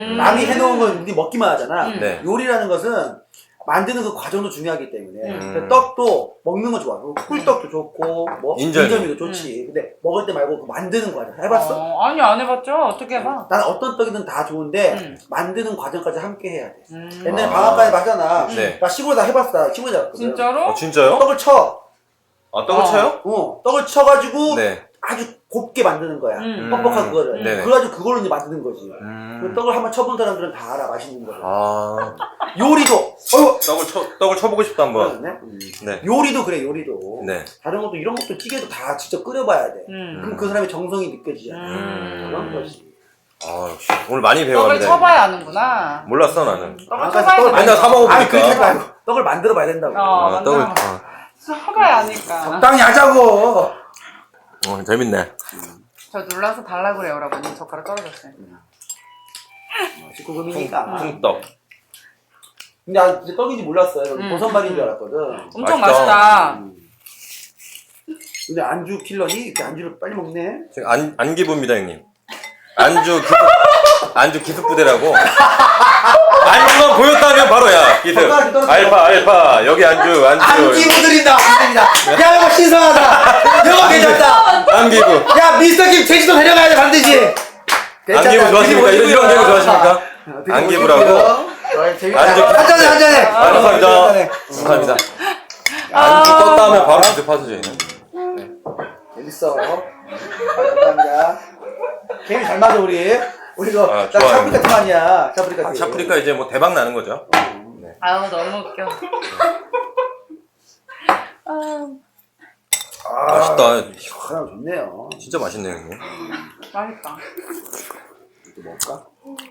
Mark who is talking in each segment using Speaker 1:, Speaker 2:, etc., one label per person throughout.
Speaker 1: 남이 해놓은 건 우리 먹기만 하잖아.
Speaker 2: 네.
Speaker 1: 요리라는 것은 만드는 그 과정도 중요하기 때문에 떡도 먹는 거 좋아. 꿀떡도 좋고 뭐 인절미도 좋지. 근데 먹을 때 말고 그 만드는 과정 해봤어?
Speaker 3: 아니 안 해봤죠. 어떻게 해봐?
Speaker 1: 난 어떤 떡이든 다 좋은데 만드는 과정까지 함께 해야 돼. 옛날에
Speaker 2: 아.
Speaker 1: 방앗간에 봤잖아.
Speaker 2: 네.
Speaker 1: 나 시골에 다 해봤어. 나 시골에 잡았거든.
Speaker 3: 진짜로?
Speaker 2: 진짜요?
Speaker 1: 떡을 쳐.
Speaker 2: 아, 떡을 쳐요?
Speaker 1: 떡을 쳐가지고
Speaker 2: 네.
Speaker 1: 아주 곱게 만드는 거야.
Speaker 3: 음.
Speaker 1: 뻑뻑한 그거를.
Speaker 2: 네네.
Speaker 1: 그래가지고 그걸로 이제 만드는 거지. 그 떡을 한번 쳐본 사람들은 다 알아. 맛있는 거를.
Speaker 2: 아.
Speaker 1: 요리도.
Speaker 2: 떡을 쳐보고 싶다, 한번. 네.
Speaker 1: 요리도 그래, 요리도.
Speaker 2: 네.
Speaker 1: 다른 것도 이런 것도 찌개도 다 직접 끓여봐야 돼. 그럼 그 사람의 정성이 느껴지잖아. 그런 거지.
Speaker 2: 아, 역시. 오늘 많이
Speaker 3: 떡을
Speaker 2: 배워갑니다.
Speaker 3: 쳐봐야 아는구나.
Speaker 2: 몰랐어, 나는.
Speaker 3: 떡을 쳐봐야
Speaker 2: 맨날 사 먹어보니까.
Speaker 1: 아니, 그렇게 하지 말고 떡을 만들어 봐야 된다고.
Speaker 2: 떡을.
Speaker 3: 쳐봐야 아니까.
Speaker 1: 적당히 하자고.
Speaker 2: 재밌네.
Speaker 3: 저 눌러서 달라 그래요, 여러분. 젓가락 떨어졌어요.
Speaker 1: 19금이니까.
Speaker 2: 콩떡.
Speaker 1: 근데 나 진짜 떡인지 몰랐어요. 보선발인 줄 알았거든.
Speaker 3: 엄청
Speaker 2: 맛있다.
Speaker 3: 맛있다.
Speaker 1: 근데 안주 킬러니 이렇게 안주를 빨리 먹네.
Speaker 2: 지금 안기부입니다, 형님. 안주 기습부대라고. 안주만 보였다면 바로야, 기습. 알파. 여기 안주.
Speaker 1: 안기부 드린다. 야, 이거 신선하다. 이거 괜찮다.
Speaker 2: 안기부.
Speaker 1: 야, 미스터 김 제주도 데려가야 돼, 반드시.
Speaker 2: 안기부 좋아하십니까? 이런 개그 좋아하십니까? 안기부라고.
Speaker 1: 한잔해.
Speaker 2: 감사합니다. 안주 떴다 하면 바로 기습 하시죠, 얘는.
Speaker 1: 재밌어. 감사합니다. 게임 잘 맞아, 우리. 우리 이거 나
Speaker 2: 좋아요.
Speaker 1: 샤프리카 팀 아니야. 샤프리카 팀.
Speaker 2: 샤프리카 이제 뭐 대박 나는 거죠. 네.
Speaker 3: 아유, 너무 웃겨.
Speaker 2: 맛있다.
Speaker 1: 하나 좋네요.
Speaker 2: 진짜 맛있네요, 형님.
Speaker 3: 맛있다.
Speaker 1: 또 먹을까?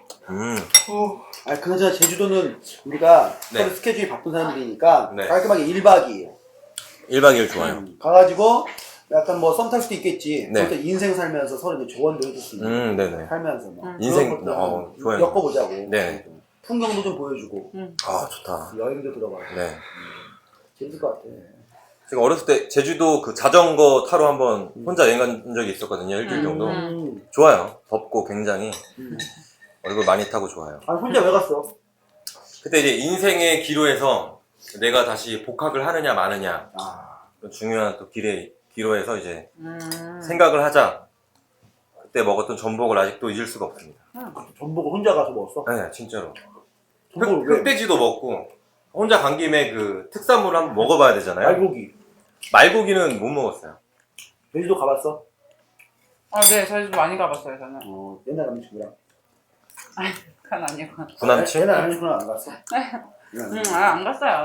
Speaker 2: 음.
Speaker 1: 그나저나 제주도는 우리가
Speaker 2: 네.
Speaker 1: 서로 스케줄이 바쁜 사람들이니까
Speaker 2: 네.
Speaker 1: 깔끔하게 1박 2일
Speaker 2: 1박 2일 좋아요.
Speaker 1: 가가지고 약간 뭐 썸 탈 수도 있겠지.
Speaker 2: 네.
Speaker 1: 그것도 인생 살면서 서로 이제 조언도 해줄 수 있는.
Speaker 2: 네네.
Speaker 1: 살면서 뭐.
Speaker 2: 인생,
Speaker 1: 그런 것도
Speaker 2: 좋아요.
Speaker 1: 엮어보자고.
Speaker 2: 네.
Speaker 1: 풍경도 좀 보여주고.
Speaker 2: 아, 좋다.
Speaker 1: 여행도 들어가고.
Speaker 2: 네.
Speaker 1: 재밌을 것 같아.
Speaker 2: 제가 어렸을 때 제주도 그 자전거 타러 한번 혼자 여행 간 적이 있었거든요. 일주일 정도. 좋아요. 덥고 굉장히. 얼굴 많이 타고 좋아요.
Speaker 1: 혼자 왜 갔어?
Speaker 2: 그때 이제 인생의 기로에서 내가 다시 복학을 하느냐 마느냐. 중요한 또 기로에서 이제 생각을 하자. 그때 먹었던 전복을 아직도 잊을 수가 없습니다.
Speaker 1: 전복을 혼자 가서 먹었어?
Speaker 2: 네, 진짜로.
Speaker 1: 전복을 왜?
Speaker 2: 흑돼지도 먹고 혼자 간 김에 그 특산물을 한번 먹어봐야 되잖아요.
Speaker 1: 말고기.
Speaker 2: 는 못 먹었어요.
Speaker 1: 제주도 가봤어?
Speaker 3: 네, 제주도 많이 가봤어요, 저는.
Speaker 1: 옛날 남자친구랑.
Speaker 3: 그건 아니고.
Speaker 2: 구남친?
Speaker 1: 옛날 남자친구랑 안 갔어?
Speaker 3: 안 갔어요.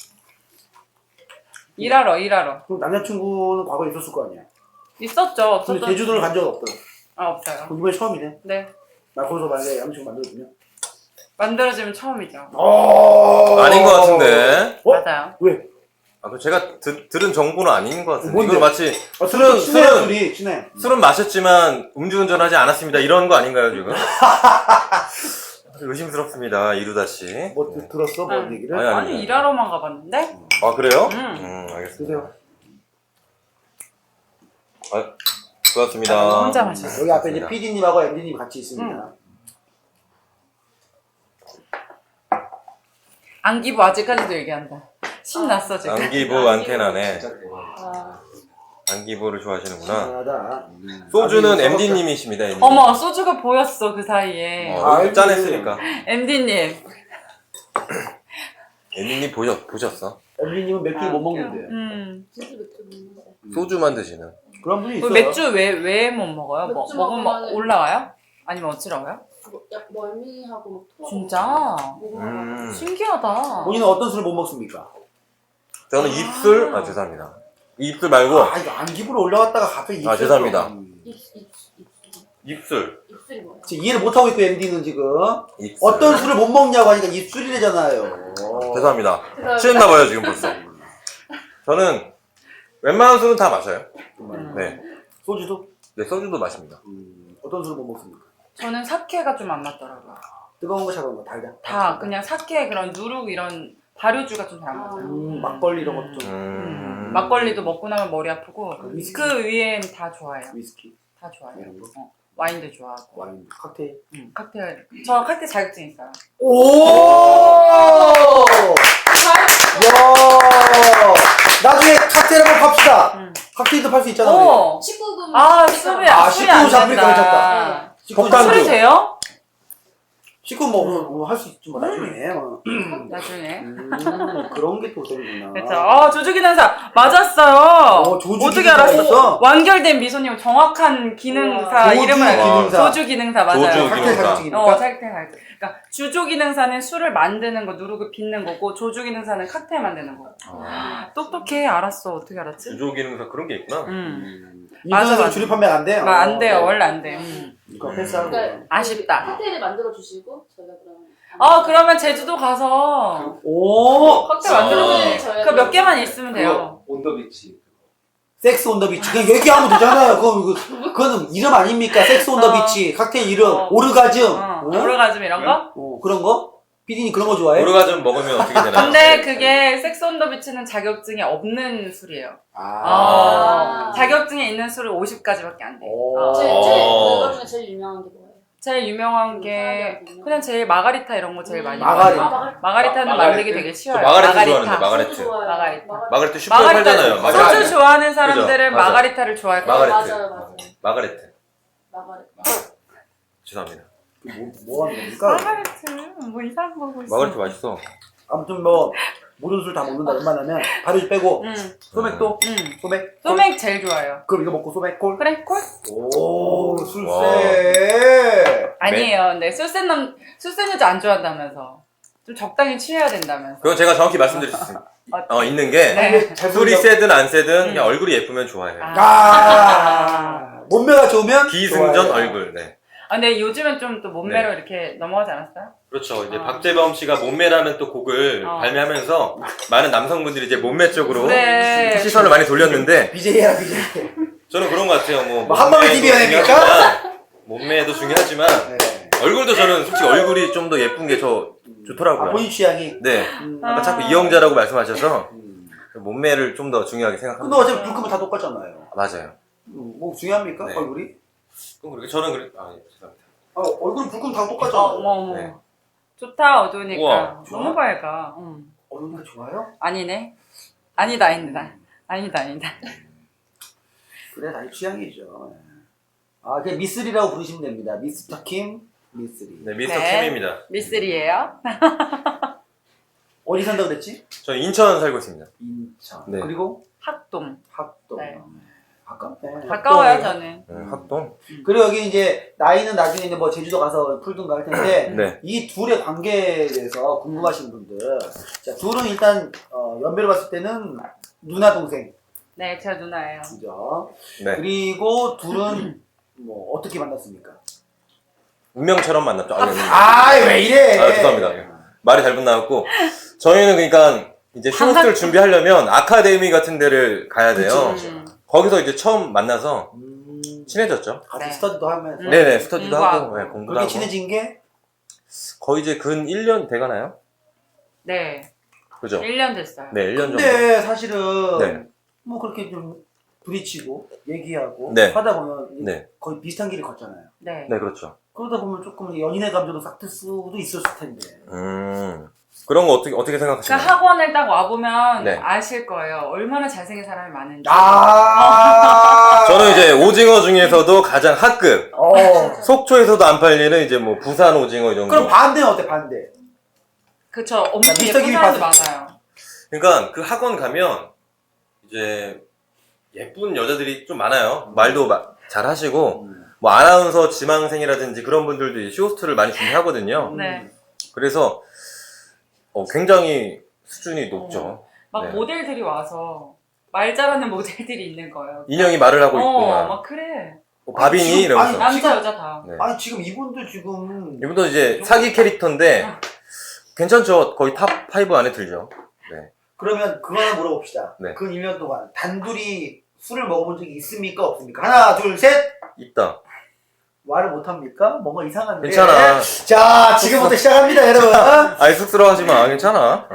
Speaker 3: 일하러.
Speaker 1: 그럼 남자친구는 과거에 있었을 거 아니야?
Speaker 3: 있었죠.
Speaker 1: 근데 제주도를 간 적은 없더라.
Speaker 3: 없어요.
Speaker 1: 그럼 이번에 처음이네?
Speaker 3: 네.
Speaker 1: 나 거기서 만약에 남자친구 만들어주면?
Speaker 3: 만들어지면 처음이죠.
Speaker 2: 아닌 것 같은데.
Speaker 3: 맞아요.
Speaker 1: 왜?
Speaker 2: 제가 들은 정보는 아닌 것 같은데.
Speaker 1: 뭔데?
Speaker 2: 이걸 마치
Speaker 1: 친해.
Speaker 2: 술은 마셨지만 음주운전하지 않았습니다. 이런 거 아닌가요, 지금? 의심스럽습니다, 이루다 씨.
Speaker 1: 뭐 들었어? 뭔 얘기를?
Speaker 3: 아니, 일하러만 가봤는데?
Speaker 2: 아, 그래요? 알겠습니다.
Speaker 1: 드세요.
Speaker 2: 고맙습니다.
Speaker 3: 혼자 마셨어요.
Speaker 1: 여기 앞에 이제 PD님하고 MD님 같이 있습니다.
Speaker 3: 안기부 아직까지도 얘기한다. 신났어, 지금.
Speaker 2: 안기부 안테나네. 안기부를 좋아하시는구나.
Speaker 1: 하다.
Speaker 2: 소주는 MD님이십니다, MD.
Speaker 3: 어머, 소주가 보였어, 그 사이에.
Speaker 2: 짠했으니까.
Speaker 3: MD님.
Speaker 2: MD님 보셨어?
Speaker 1: MD님은 맥주 못 먹는데.
Speaker 2: 소주만 드시는.
Speaker 1: 그런 분이 있어요.
Speaker 3: 맥주 왜 못 먹어요? 먹으면 올라와요? 아니면 어지러워요?
Speaker 4: 멀미하고 막
Speaker 3: 진짜? 신기하다.
Speaker 1: 본인은 어떤 술을 못 먹습니까?
Speaker 2: 저는 입술, 죄송합니다. 입술 말고.
Speaker 1: 이거 안기부로 올라갔다가 갑자기 입술.
Speaker 2: 죄송합니다. 입술.
Speaker 4: 입술이 뭐야?
Speaker 1: 지금 이해를 못하고 있고, MD는 지금.
Speaker 2: 입술.
Speaker 1: 어떤 술을 못 먹냐고 하니까 입술이래잖아요.
Speaker 2: 죄송합니다. 취했나봐요, 지금 벌써. 저는 웬만한 술은 다 마셔요. 네.
Speaker 1: 소주도?
Speaker 2: 네, 소주도 마십니다.
Speaker 1: 어떤 술을 못 먹습니까?
Speaker 3: 저는 사케가 좀 안 맞더라고요.
Speaker 1: 뜨거운 거 차가운 거 달다.
Speaker 3: 다 그냥 사케 그런 누룩 이런 발효주가 좀 잘 안 맞아요.
Speaker 1: 막걸리 이런 것도 좀.
Speaker 3: 막걸리도 먹고 나면 머리 아프고
Speaker 1: 위스키?
Speaker 3: 그 위엔 다 좋아요.
Speaker 1: 위스키
Speaker 3: 다 좋아요.
Speaker 1: 이런 거?
Speaker 3: 와인도 좋아하고.
Speaker 1: 와인, 칵테일.
Speaker 3: 칵테일. 저 칵테일 자격증 있어요.
Speaker 1: 오! 야! 나중에 칵테일 한번 팝시다. 칵테일도 팔 수 있잖아. 우리.
Speaker 3: 오!
Speaker 4: 19금.
Speaker 3: 아, 술이
Speaker 1: 아,
Speaker 3: 술이 안
Speaker 1: 19 잡으니까
Speaker 3: 된다.
Speaker 1: 괜찮다.
Speaker 2: 폭탄주.
Speaker 3: 술이 돼요?
Speaker 1: 식구 뭐 할 수 있지 뭐 나중에.
Speaker 3: 나중에.
Speaker 1: 그런 게 또 되는구나.
Speaker 3: 그렇죠. 조주기능사 맞았어요.
Speaker 1: 조주
Speaker 3: 어떻게
Speaker 1: 기능사
Speaker 3: 알았어?
Speaker 1: 있었어?
Speaker 3: 완결된 미소님 정확한 기능사
Speaker 1: 조주
Speaker 3: 이름을 알고.
Speaker 1: 기능사.
Speaker 3: 조주기능사 맞아요.
Speaker 2: 조주
Speaker 1: 칵테일
Speaker 2: 기능사.
Speaker 1: 자격증이니까.
Speaker 3: 칵테일 자격증. 그러니까 주조기능사는 술을 만드는 거 누르고 빚는 거고 조주기능사는 칵테일 만드는 거. 똑똑해. 알았어. 어떻게 알았지?
Speaker 2: 주조 기능사 그런 게 있구나.
Speaker 3: 맞아,
Speaker 1: 인터넷
Speaker 3: 맞아.
Speaker 1: 주류 판매가 안 돼요.
Speaker 3: 안 돼요. 원래 안 돼요.
Speaker 1: 이거 패스하고.
Speaker 4: 그러니까
Speaker 3: 아쉽다.
Speaker 4: 칵테일을 만들어 주시고 저희가 그러면.
Speaker 3: 그러면 제주도 가서
Speaker 1: 오!
Speaker 3: 칵테일 만들어주세요. 그 몇 개만 있으면 돼요.
Speaker 5: 온더비치.
Speaker 1: 섹스 온 더 비치. 그냥 얘기하면 되잖아요. 그거는 이름 아닙니까? 섹스 온 더 비치. 칵테일 이름. 오르가즘.
Speaker 3: 오르가즘 이런 거?
Speaker 1: 그런 거? 피디님 그런 거 좋아해?
Speaker 2: 오르가즘 먹으면 어떻게 되나?
Speaker 3: 근데 그게 섹스 온 더 비치는 자격증이 없는 술이에요.
Speaker 4: 아.
Speaker 3: 자격증에 있는 술은 50가지밖에 안 돼.
Speaker 1: 오.
Speaker 4: 그거 중에 제일 유명한 게 뭐예요?
Speaker 3: 제일 유명한 게 그냥 제일 마가리타 이런 거 제일 많이
Speaker 1: 마가리타.
Speaker 3: 먹어요. 마가리타는
Speaker 5: 마가리타.
Speaker 3: 만들기 되게
Speaker 2: 저
Speaker 3: 쉬워요.
Speaker 2: 마가리타 좋아하는데 마가리타.
Speaker 4: 저도 좋아해요.
Speaker 3: 마가리타.
Speaker 2: 마가리타 슈퍼에 팔잖아요.
Speaker 3: 마가리타. 소주 좋아하는 사람들은
Speaker 2: 그죠? 맞아.
Speaker 3: 마가리타를 좋아할 거예요.
Speaker 2: 마가리타.
Speaker 4: 맞아요.
Speaker 2: 마가리타.
Speaker 4: 마가리타.
Speaker 2: 죄송합니다.
Speaker 1: 뭐 하는 겁니까?
Speaker 3: 마가리타. 뭐 이상한 거 보고 있어.
Speaker 2: 마가리타 맛있어.
Speaker 1: 아무튼 뭐 모든 술 다 먹는다 웬만하면 발효 빼고 소맥도? 소맥?
Speaker 3: 소맥 제일 좋아해요.
Speaker 1: 그럼 이거 먹고 소맥 콜?
Speaker 3: 그래? 콜?
Speaker 1: 오
Speaker 2: 와.
Speaker 1: 술세.
Speaker 3: 아니에요. 근데 술센 여자 안 좋아한다면서. 좀 적당히 취해야 된다면서.
Speaker 2: 그건 제가 정확히 말씀드릴 수 있습니다. 있는 게
Speaker 3: 네.
Speaker 2: 술이 세든 안 세든 그냥 얼굴이 예쁘면 좋아해요.
Speaker 1: 몸매가 좋으면
Speaker 2: 기승전
Speaker 1: 좋아요.
Speaker 2: 얼굴. 네.
Speaker 3: 근데 요즘은 좀 또 몸매로 이렇게 넘어가지 않았어요?
Speaker 2: 그렇죠. 이제 박재범 씨가 몸매라는 또 곡을 발매하면서 많은 남성분들이 이제 몸매 쪽으로
Speaker 3: 그래.
Speaker 2: 시선을 많이 돌렸는데
Speaker 1: BJ 해라 BJ.
Speaker 2: 저는 그런 것 같아요. 뭐
Speaker 1: 한방에 TV
Speaker 2: 몸매도
Speaker 1: 아닙니까?
Speaker 2: 중요하지만, 몸매도 중요하지만
Speaker 1: 네.
Speaker 2: 얼굴도 저는 솔직히 얼굴이 좀 더 예쁜 게 좋더라고요.
Speaker 1: 본인 취향이.
Speaker 2: 네. 아까 자꾸 이영자라고 말씀하셔서 몸매를 좀 더 중요하게
Speaker 1: 근데
Speaker 2: 생각합니다.
Speaker 1: 어차피 불 끄면 다 똑같잖아요.
Speaker 2: 맞아요.
Speaker 1: 뭐 중요합니까
Speaker 2: 네.
Speaker 1: 얼굴이?
Speaker 2: 그럼 그렇게 저는 그래. 죄송합니다.
Speaker 1: 얼굴 불 끄면 다 똑같잖아.
Speaker 3: 어머.
Speaker 2: 네.
Speaker 3: 좋다, 어두우니까.
Speaker 2: 우와,
Speaker 3: 너무 밝아.
Speaker 1: 얼굴이 좋아요?
Speaker 3: 아니네. 아니다. 아니다.
Speaker 1: 그래 다 취향이죠. 그냥 미쓰리라고 부르시면 됩니다. 미스터 킴 미쓰리.
Speaker 2: 네, 미스터
Speaker 3: 네.
Speaker 2: 킴입니다.
Speaker 3: 미쓰리예요.
Speaker 1: 어디 산다고 그랬지?
Speaker 2: 저는 인천 살고 있습니다.
Speaker 1: 인천.
Speaker 2: 네.
Speaker 1: 그리고
Speaker 3: 학동.
Speaker 1: 학동.
Speaker 3: 네.
Speaker 1: 가깝네.
Speaker 3: 가까워요, 저는.
Speaker 2: 학동.
Speaker 1: 그리고 여기 이제 나이는 나중에 이제 뭐 제주도 가서 풀든가 할 텐데
Speaker 2: 네.
Speaker 1: 이 둘의 관계에 대해서 궁금하신 분들, 자 둘은 일단 연배로 봤을 때는 누나 동생,
Speaker 3: 네, 제 누나예요.
Speaker 1: 그죠?
Speaker 2: 네.
Speaker 1: 그리고 둘은 뭐 어떻게 만났습니까?
Speaker 2: 운명처럼 만났죠.
Speaker 1: 왜 이래?
Speaker 2: 죄송합니다. 말이 잘못 나왔고 저희는 그러니까 이제 쇼호스트를 준비하려면 아카데미 같은 데를 가야 돼요.
Speaker 1: 그쵸.
Speaker 2: 거기서 이제 처음 만나서 친해졌죠.
Speaker 1: 같이
Speaker 3: 네.
Speaker 1: 스터디도 하면서
Speaker 2: 네네, 스터디도
Speaker 3: 공부하고.
Speaker 2: 하고, 네, 공부도
Speaker 1: 그렇게
Speaker 2: 하고.
Speaker 1: 친해진 게
Speaker 2: 거의 이제 근 1년 돼가나요?
Speaker 3: 네.
Speaker 2: 그죠?
Speaker 3: 1년 됐어요.
Speaker 2: 네, 1년 정도.
Speaker 1: 근데 사실은
Speaker 2: 네.
Speaker 1: 뭐 그렇게 좀 부딪히고 얘기하고
Speaker 2: 네.
Speaker 1: 하다 보면
Speaker 2: 네.
Speaker 1: 거의 비슷한 길을 걷잖아요.
Speaker 3: 네.
Speaker 2: 네, 그렇죠.
Speaker 1: 그러다 보면 조금 연인의 감정도 싹 들 수도 있었을 텐데.
Speaker 2: 그런 거 어떻게
Speaker 3: 그
Speaker 2: 생각하시나요?
Speaker 3: 학원을 딱 와보면
Speaker 2: 네.
Speaker 3: 아실 거예요. 얼마나 잘생긴 사람이 많은지.
Speaker 2: 저는 이제 오징어 중에서도 가장 학급.
Speaker 1: 어.
Speaker 2: 속초에서도 안 팔리는 이제 뭐 부산 오징어 이 정도.
Speaker 1: 그럼 반대는 어때, 반대?
Speaker 3: 그쵸. 엄청
Speaker 1: 미스터
Speaker 3: 예쁜
Speaker 1: 김이
Speaker 3: 사람도
Speaker 1: 봤을
Speaker 3: 많아요.
Speaker 2: 그러니까 그 학원 가면 이제 예쁜 여자들이 좀 많아요. 말도 잘 하시고 뭐 아나운서 지망생이라든지 그런 분들도 이제 쇼호스트를 많이 준비하거든요.
Speaker 3: 네.
Speaker 2: 그래서 굉장히 수준이 높죠.
Speaker 3: 막
Speaker 2: 네.
Speaker 3: 모델들이 와서 말 잘하는 모델들이 있는 거예요.
Speaker 2: 인형이 말을 하고 있구만.
Speaker 3: 막 그래.
Speaker 2: 바비니
Speaker 1: 지금-
Speaker 2: 이러면서.
Speaker 1: 아니,
Speaker 3: 남자
Speaker 1: 지금-
Speaker 3: 여자 다.
Speaker 2: 네.
Speaker 1: 아니, 지금 이분들 지금.
Speaker 2: 이분도 이제 사기 캐릭터인데 괜찮죠. 거의 탑 5 안에 들죠. 네.
Speaker 1: 그러면 그거 하나 물어봅시다.
Speaker 2: 네.
Speaker 1: 그 1년 동안 단둘이 술을 먹어본 적이 있습니까? 없습니까? 하나, 둘, 셋!
Speaker 2: 있다.
Speaker 1: 말을 못합니까? 뭔가 이상한데.
Speaker 2: 괜찮아.
Speaker 1: 자, 지금부터 시작합니다, 여러분.
Speaker 2: 아이, 쑥스러워하지 마. 괜찮아.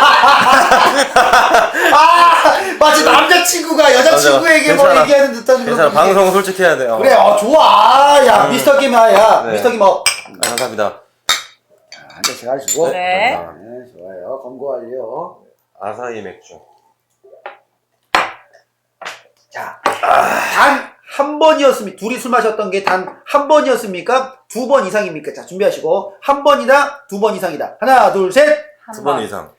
Speaker 1: 마치 남자친구가 여자친구에게 뭐
Speaker 2: 괜찮아.
Speaker 1: 얘기하는 듯한
Speaker 2: 괜찮아.
Speaker 1: 그런
Speaker 2: 방송은 솔직해야 돼.
Speaker 1: 그래, 좋아. 야, 미스터 김아야.
Speaker 2: 네.
Speaker 1: 미스터 김아.
Speaker 2: 감사합니다.
Speaker 1: 한 잔씩 하시고.
Speaker 3: 네.
Speaker 1: 네, 좋아요. 검거 완료.
Speaker 2: 아사히 맥주.
Speaker 1: 자, 단 한 번이었습니까? 둘이 술 마셨던 게 단 한 번이었습니까? 2번 이상입니까? 자, 준비하시고. 한 번이다, 2번 이상이다. 하나, 둘, 셋.
Speaker 3: 한
Speaker 2: 2번
Speaker 3: 번.
Speaker 2: 이상.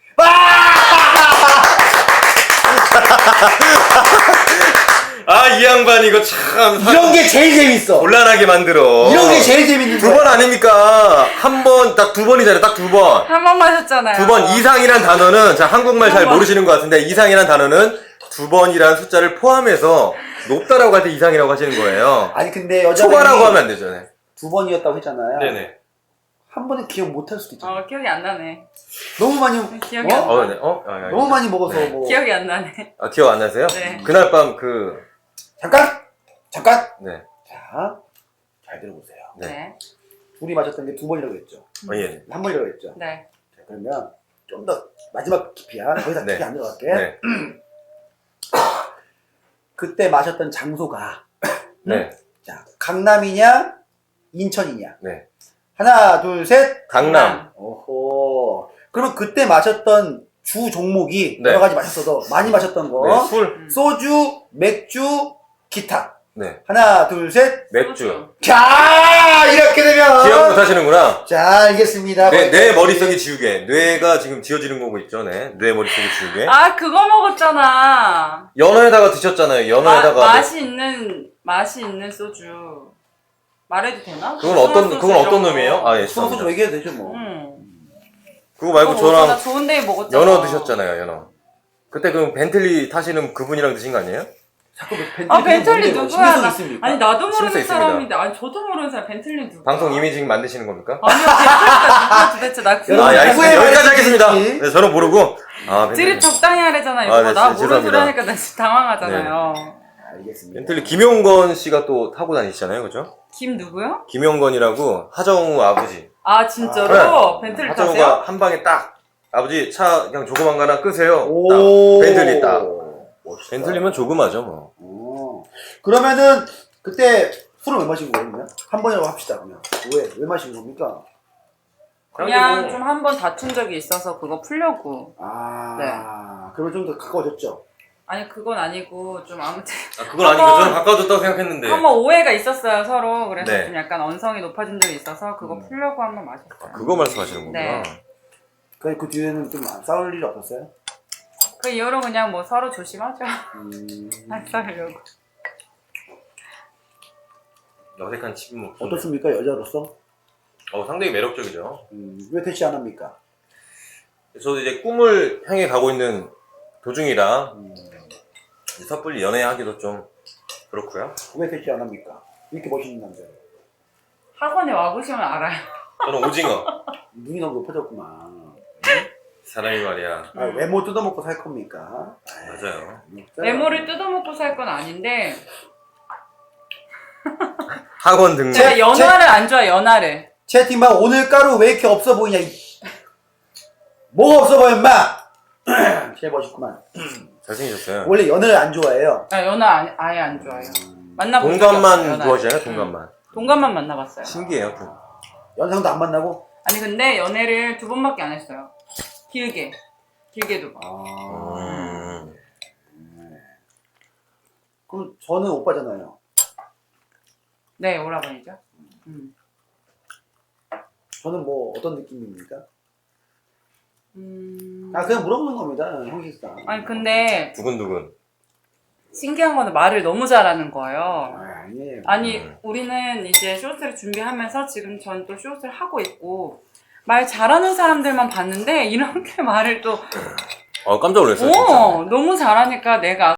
Speaker 2: 아, 이 양반 이거 참.
Speaker 1: 이런 게 제일 재밌어.
Speaker 2: 곤란하게 만들어.
Speaker 1: 이런 게 제일 재밌는
Speaker 2: 두 번 아닙니까? 한 번, 딱 2번이잖아요. 딱 2번.
Speaker 3: 한 번 마셨잖아요.
Speaker 2: 2번 이상이란 단어는, 자, 한국말 잘
Speaker 3: 한 번.
Speaker 2: 모르시는 것 같은데, 이상이란 단어는 2번이라는 숫자를 포함해서 높다라고 할 때 이상이라고 하시는 거예요.
Speaker 1: 아니, 근데 여자분이
Speaker 2: 초과라고 하면 안 되죠. 네.
Speaker 1: 2번이었다고 했잖아요.
Speaker 2: 네네.
Speaker 1: 한 번은 기억 못 할 수도 있잖아.
Speaker 3: 기억이 안 나네.
Speaker 1: 너무 많이,
Speaker 3: 기억이 안
Speaker 1: 어?
Speaker 3: 나.
Speaker 2: 네.
Speaker 1: 너무 많이 먹어서
Speaker 2: 네.
Speaker 1: 뭐.
Speaker 3: 기억이 안 나네.
Speaker 2: 아, 기억 안 나세요?
Speaker 3: 네.
Speaker 2: 그날 밤
Speaker 1: 잠깐!
Speaker 2: 네.
Speaker 1: 자, 잘 들어보세요.
Speaker 2: 네.
Speaker 3: 네.
Speaker 1: 둘이 마셨던 게 2번이라고 했죠.
Speaker 2: 예.
Speaker 1: 한 번이라고 했죠.
Speaker 3: 네.
Speaker 1: 자, 그러면 좀 더 마지막 깊이야. 더 이상
Speaker 2: 네.
Speaker 1: 깊이 안 들어갈게.
Speaker 2: 네.
Speaker 1: 그때 마셨던 장소가
Speaker 2: 네.
Speaker 1: 자, 강남이냐 인천이냐.
Speaker 2: 네.
Speaker 1: 하나, 둘, 셋.
Speaker 2: 강남.
Speaker 1: 오호. 그러면 그때 마셨던 주 종목이
Speaker 2: 네.
Speaker 1: 여러 가지 마셨어도 많이 마셨던 거.
Speaker 2: 네. 술.
Speaker 1: 소주, 맥주, 기타.
Speaker 2: 네.
Speaker 1: 하나, 둘, 셋.
Speaker 2: 맥주.
Speaker 1: 자, 이렇게 되면
Speaker 2: 기억 못 하시는구나.
Speaker 1: 자, 알겠습니다.
Speaker 2: 내 머릿속이 지우개. 뇌가 지금 지워지는 거고 있죠, 네. 뇌 머릿속이 지우개.
Speaker 3: 아, 그거 먹었잖아.
Speaker 2: 연어에다가 드셨잖아요, 연어에다가.
Speaker 3: 맛이 있는 소주. 말해도 되나?
Speaker 2: 그건 어떤 놈이에요? 아, 예,
Speaker 1: 소주
Speaker 2: 죄송합니다.
Speaker 1: 얘기해도 되죠, 뭐.
Speaker 2: 그거 말고
Speaker 3: 그거 먹었잖아.
Speaker 2: 저랑
Speaker 3: 좋은 데에 먹었잖아.
Speaker 2: 연어 드셨잖아요, 연어. 그때 그 벤틀리 타시는 그분이랑 드신 거 아니에요?
Speaker 1: 자꾸
Speaker 3: 벤틀리 누구야?
Speaker 1: 신빙성 있습니까?
Speaker 3: 아니, 나도
Speaker 2: 심수
Speaker 3: 모르는
Speaker 2: 있습니다.
Speaker 3: 사람인데. 아니, 저도 모르는 사람. 벤틀리 누구야?
Speaker 2: 방송 이미징 만드시는 겁니까?
Speaker 3: 아니요, 벤틀리가 누구야 도대체. 나 그거.
Speaker 1: 여러분,
Speaker 2: 아, 예,
Speaker 1: 누구의
Speaker 2: 알겠습니다. 여기까지 하겠습니다.
Speaker 1: 말인지.
Speaker 2: 네, 저는 모르고. 아,
Speaker 3: 드립
Speaker 2: 벤틀리.
Speaker 3: 적당히 하래잖아, 이거.
Speaker 2: 아, 네,
Speaker 3: 나 모르는 소리
Speaker 2: 죄송합니다.
Speaker 3: 하니까 나 진짜 당황하잖아요.
Speaker 1: 알겠습니다.
Speaker 2: 벤틀리 김용건 씨가 또 타고 다니시잖아요, 그죠?
Speaker 3: 김 누구요?
Speaker 2: 김용건이라고 하정우 아버지.
Speaker 3: 아, 진짜로? 벤틀리 타세요?
Speaker 2: 하정우가 한 방에 딱 아버지 차 그냥 조그만 거 하나 끄세요.
Speaker 1: 오.
Speaker 2: 딱. 벤틀리 딱.
Speaker 1: 멋있다.
Speaker 2: 벤틀리면 조그마죠, 뭐.
Speaker 1: 오. 그러면은 그때 술을 왜 마시고 그러면? 한 번이라고 합시다 그러면. 왜 마시는 겁니까?
Speaker 3: 그냥
Speaker 2: 뭐-
Speaker 3: 좀 한 번 다툰 적이 있어서 그거 풀려고.
Speaker 1: 그러면 좀 더 가까워졌죠?
Speaker 3: 아니, 그건 아니고, 좀 아무튼.
Speaker 2: 아, 그건 아니고 저는 가까워졌다고 생각했는데.
Speaker 3: 한번 오해가 있었어요, 서로. 그래서
Speaker 2: 네.
Speaker 3: 좀 약간 언성이 높아진 적이 있어서 그거 풀려고 한번 마셨어요.
Speaker 2: 그거 말씀하시는 거구나.
Speaker 3: 네.
Speaker 1: 그 뒤에는 좀 싸울 일이 없었어요?
Speaker 3: 그 이후로 그냥 뭐 서로 조심하죠.
Speaker 1: 음.
Speaker 3: 안 싸우려고.
Speaker 2: 어색한 침묵.
Speaker 1: 어떻습니까 여자로서?
Speaker 2: 상당히 매력적이죠.
Speaker 1: 왜 퇴치 안 합니까?
Speaker 2: 저도 이제 꿈을 향해 가고 있는 도중이라
Speaker 1: 음.
Speaker 2: 이제 섣불리 연애하기도 좀 그렇고요.
Speaker 1: 왜 퇴치 안 합니까? 이렇게 멋있는 남자.
Speaker 3: 학원에 와보시면 알아요.
Speaker 2: 저는 오징어.
Speaker 1: 눈이 너무 높아졌구만.
Speaker 2: 사람이 말이야.
Speaker 1: 외모 뜯어먹고 살 겁니까?
Speaker 2: 맞아요.
Speaker 3: 메모를 뜯어먹고 살 건 아닌데
Speaker 2: 학원 등록.
Speaker 3: 제가 연화를 안 좋아해, 연화를.
Speaker 1: 채팅방 오늘 가루 왜 이렇게 없어 보이냐? 뭐가 없어 보여 임마? 제일 멋있구만.
Speaker 2: 잘생기셨어요.
Speaker 1: 원래 연애를 안 좋아해요.
Speaker 3: 아, 연화 아예 안 좋아해요. 만나본 적이 없어요,
Speaker 2: 동감만
Speaker 3: 연하를.
Speaker 2: 좋아하시잖아요, 동감만.
Speaker 3: 동감만 만나봤어요.
Speaker 2: 신기해요.
Speaker 1: 연상도 안 만나고?
Speaker 3: 아니 근데 연애를 2번밖에 안 했어요. 길게 2번.
Speaker 1: 그럼 저는 오빠잖아요.
Speaker 3: 네, 오라버니죠.
Speaker 1: 저는 뭐 어떤 느낌입니까?
Speaker 3: 음...
Speaker 1: 그냥 물어보는 겁니다, 형식상.
Speaker 3: 아니 근데
Speaker 2: 두근두근.
Speaker 3: 신기한 거는 말을 너무 잘하는 거예요.
Speaker 1: 아니에요.
Speaker 3: 아니 우리는 이제 쇼트를 준비하면서 지금 전 또 쇼트를 하고 있고 말 잘하는 사람들만 봤는데 이렇게 말을 또
Speaker 2: 깜짝 놀랐어요. 진짜.
Speaker 3: 너무 잘하니까 내가